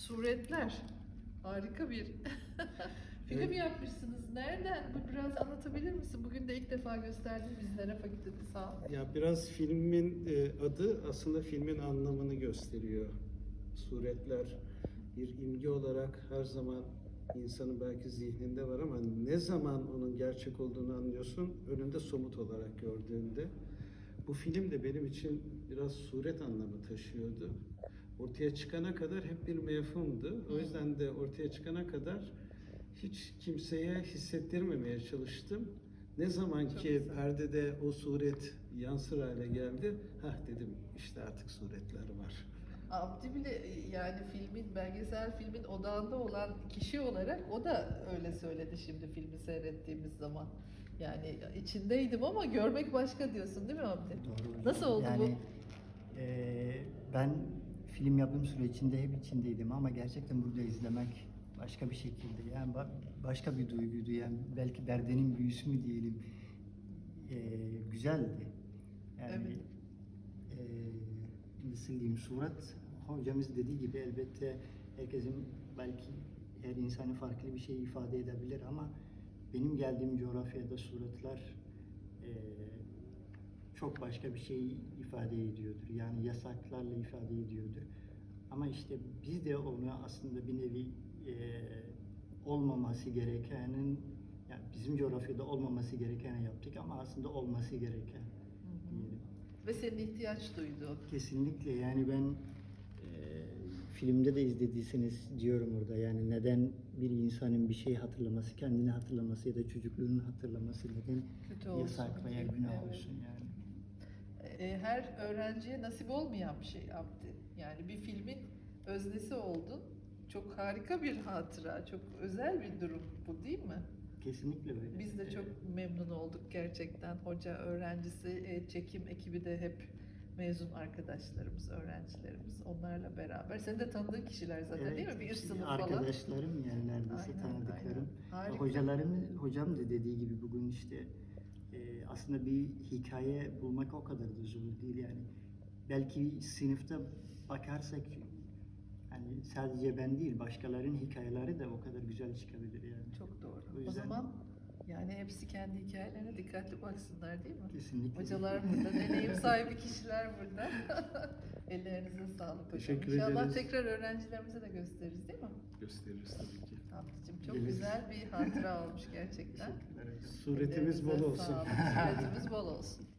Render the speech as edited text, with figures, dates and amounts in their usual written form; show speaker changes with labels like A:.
A: Suretler. Harika bir film
B: Evet.
A: yapmışsınız. Nereden? Bu biraz anlatabilir misin? Bugün de ilk defa gösterdin bizlere fakültede, sağ ol.
B: Ya biraz filmin adı aslında filmin anlamını gösteriyor. Suretler bir imge olarak her zaman insanın belki zihninde var ama ne zaman onun gerçek olduğunu anlıyorsun önünde somut olarak gördüğünde. Bu film de benim için biraz suret anlamı taşıyordu. Ortaya çıkana kadar hep bir mefhumdu. O yüzden de ortaya çıkana kadar hiç kimseye hissettirmemeye çalıştım. Ne zaman
A: Çok
B: ki
A: güzel.
B: perdede o suret yansır hale geldi, hah dedim işte artık suretler var.
A: Abdi bile yani filmin, belgesel filmin odağında olan kişi olarak o da öyle söyledi şimdi filmi seyrettiğimiz zaman. Yani içindeydim ama görmek başka diyorsun değil mi Abdi?
C: Doğru hocam.
A: Nasıl oldu
C: Yani ben film yapım sürecinde hep içindeydim ama gerçekten burada izlemek başka bir şekilde, yani başka bir duyguydu, yani belki Berde'nin büyüsü mü diyelim. Güzeldi. Yani
A: Evet.
C: nasıl diyeyim, surat hocamız dediği gibi elbette herkesin, belki her insanın farklı bir şey ifade edebilir ama benim geldiğim coğrafyada suratlar çok başka bir şey ifade ediyordur. Yani yasaklarla ifade ediyordur. Ama işte biz de onu aslında bir nevi olmaması gerekenin, yani bizim coğrafyada olmaması gerekeni yaptık ama aslında olması gereken diyelim.
A: Ve senin ihtiyaç duyduğun.
C: Kesinlikle, yani ben filmde de izlediyseniz diyorum orada, yani neden bir insanın bir şey hatırlaması, kendini hatırlaması ya da çocukluğunu hatırlaması neden
A: Kötü olsun
C: yasak veya
A: diye,
C: günah
A: evet.
C: olsun yani.
A: Her öğrenciye nasip olmayan bir şey Abdi. Yani bir filmin öznesi oldun. Çok harika bir hatıra, çok özel bir durum bu değil mi?
C: Kesinlikle öyle.
A: Biz de çok memnun olduk gerçekten. Hoca, öğrencisi, çekim ekibi de hep mezun arkadaşlarımız, öğrencilerimiz. Onlarla beraber. Senin de tanıdığın kişiler zaten değil mi? Bir üst sınıf falan.
C: Arkadaşlarım, yani neredeyse
A: Aynen,
C: tanıdıklarım.
A: aynen. Harika.
C: Hocam da dediği gibi bugün işte aslında bir hikaye bulmak o kadar da zor değil yani. Belki sınıfta bakarsak hani sadece ben değil, başkalarının hikayeleri de o kadar güzel çıkabilir yani.
A: Çok doğru.
C: O
A: O
C: yüzden
A: zaman yani hepsi kendi hikayelerine dikkatli baksınlar değil mi?
C: kesinlikle.
A: Hocalar burada, deneyim sahibi kişiler burada. Ellerinize sağlık hocam.
B: Teşekkür
A: İnşallah
B: ederiz.
A: tekrar öğrencilerimize de gösteririz değil mi?
B: Gösteririz tabii ki.
A: Abdicim çok
C: Geliriz.
A: güzel bir hatıra olmuş gerçekten.
C: Teşekkürler hocam.
B: Suretimiz bol
A: Ellerinize
B: olsun.
A: sağlık. Suretimiz bol olsun.